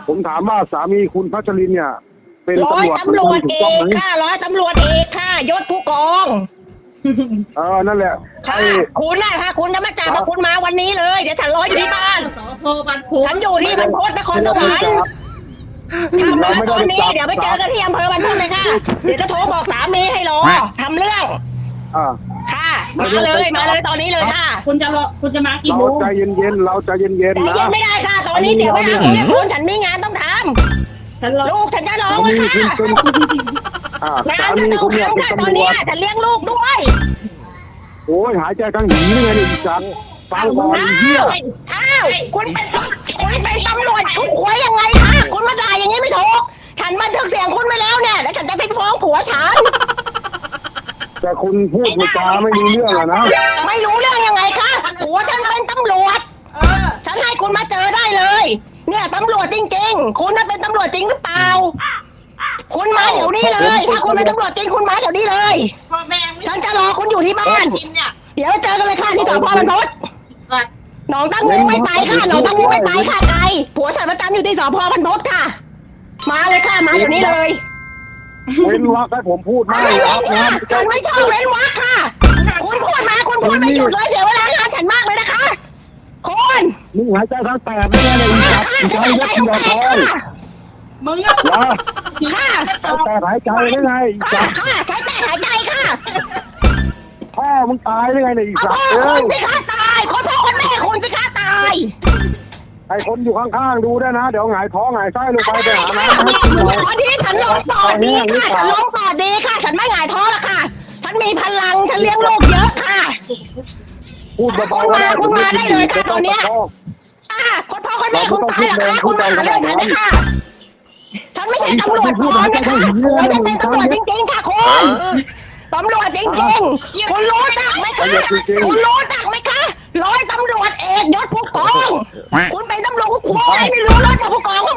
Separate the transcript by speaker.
Speaker 1: ผมถามว่าสามีคุณพัชรินเนี่ยเป็น
Speaker 2: ร้อย
Speaker 1: ตำรวจ
Speaker 2: ตำรวจ
Speaker 1: ถู
Speaker 2: เอก
Speaker 1: ต้องไหม
Speaker 2: ค่ะร้อยตำรวจเอกค่ะยศผู้กอง
Speaker 1: นั่นแหละ
Speaker 2: ค่ะคุณน่ะค่ะคุณจะมาจับมาคุณมาวันนี้เลยเดี๋ยวฉันรออยู่ที่บ้าน
Speaker 3: สพบันพุ
Speaker 2: ฉันอยู่ที่บรรพตนครสวรรค์ถ้ามาตอนนี้เดี๋ยวไปเจอกันที่อำเภอบรรพตเลยค่ะเดี๋ยวจะโทรบอกสามีให้รอทำเรื่อง
Speaker 1: อ่า
Speaker 2: ค่ะมาเลยตอนนี้เลยค่ะ
Speaker 3: คุณจะมากี่
Speaker 1: เรา
Speaker 3: โมง
Speaker 1: ใจเย็นๆเราใจเย็น
Speaker 2: ใจ
Speaker 1: ๆนะ
Speaker 2: เย็นไม่ได้ค่ะ ตอนนี้เดี๋ยวไม่เอาเนี่ยคุณฉันมีงานต้องท
Speaker 3: ฉันรอ
Speaker 2: ำลูกฉันจะร้อง
Speaker 1: สามี
Speaker 2: ค่ะ
Speaker 1: คุณเป็น
Speaker 2: งา
Speaker 1: สาน
Speaker 2: ก็
Speaker 1: มี
Speaker 2: ต้อง
Speaker 1: คุณเนี่ย
Speaker 2: ทำ
Speaker 1: เป็น
Speaker 2: ค่ะต
Speaker 1: ตำ
Speaker 2: อน
Speaker 1: รว
Speaker 2: นี้
Speaker 1: จ
Speaker 2: ฉันเลี้ยงลูกด้วย
Speaker 1: โอ้ยหายใจทั้งหีนี่ไงเนี่ยอีจันฟังก่อนไอ้เหี้ย
Speaker 2: อ้าวคุณเป็นตำรวจคุณคุยยังไงคะคุณมาด่าอย่างนี้ไม่ถูกฉันบันทึกเสียงคุณไปแล้วเนี่ยแล้วฉันจะไปฟ้องผัวฉัน
Speaker 1: แต่คุณพูดจาไม่รู้เรื่องอะนะ
Speaker 2: ไม่รู้เรื่องยังไงคะผัวฉันเป็นตำรวจฉันให้คุณมาเจอได้เลย เนี่ยตำรวจจริงๆ คุณน่ะเป็นตำรวจจริงหรือเปล่า คุณมาเดี๋ยวนี้เลย ถ้าคุณเป็นตำรวจจริงคุณมาเดี๋ยวนี้เลย
Speaker 3: พ่อแม่
Speaker 2: ฉันจะรอคุณอยู่ที่บ้าน
Speaker 3: กินเนี่ย
Speaker 2: เดี๋ยวเจอกันเลยค่ะที่สพบรรพตหนองตั้งงูไม่ไปค่ะหนองตั้งงูไม่ไปค่ะไกลผัวฉันประจำอยู่ที่สพบรรพตค่ะ มาเลยค่ะมาเดี๋ยวนี้เลย
Speaker 1: เว้นวรรคให้ผมพูดไม่
Speaker 2: ไม่
Speaker 1: ค
Speaker 2: เว้
Speaker 1: รับ
Speaker 2: นค่ะฉันไม่ชอบเว้นวรรคค่ะ คุณพูดมาคุณพูดไม่หยุดเลยเดี๋ยวเวลางานฉันมากเลยนะคะคุณ
Speaker 1: มึงหายใจทั้งแตกได้ไงเนี่ยอีจับอีจันยศเดียวทอง
Speaker 3: มึง
Speaker 1: นะ
Speaker 2: ค่ะ
Speaker 1: แต่หายใจได้ไงอี
Speaker 2: ค่ะ
Speaker 1: จับ
Speaker 2: ค่ะใช้แต่หายใจค่ะ
Speaker 1: พ่อมึงตายได้ไงเนี่ยอี
Speaker 2: เอา
Speaker 1: จับ
Speaker 2: พ่อ
Speaker 1: เอ้
Speaker 2: คุ
Speaker 1: ย
Speaker 2: ณสิคะตายคนพ่อคนแม่คุณสิคะตาย
Speaker 1: ไอคนอยู่ข้างๆดูได้วยนะ เดี๋ยวหงายท้องหงายไส้ลงไปไปหาน้ำ
Speaker 2: ต
Speaker 1: ให้กินหน่อย
Speaker 2: อนนี้ฉันลงปอดดีค่ะฉันลงปอดดีค่ะ ฉันไม่หงายท้องแล้วค่ะ ฉันมีพลังฉันเลี้ยงลูกเยอะค่ะ
Speaker 1: พูดเบาๆก็ได้
Speaker 2: คุณมาได้เลยค่ะตอนเนี้ย
Speaker 1: ไม่ง
Speaker 2: คนพ่อคนแม่คุณตายเหรอคะคุณมาหาเรื่องฉันเลยค่ะ ฉันไม่ใช่ตำรวจปลอมนะคะฉันจะเป็นตำรวจจริงๆค่ะคุณตำรวจจริงๆคุณรู้จักไหมคะคุณรู้จักไหมคะร้อยตำรวจเอกยศผู้กองคุณเป็นตำรวจคุณไม่รู้รถผู้กองเหร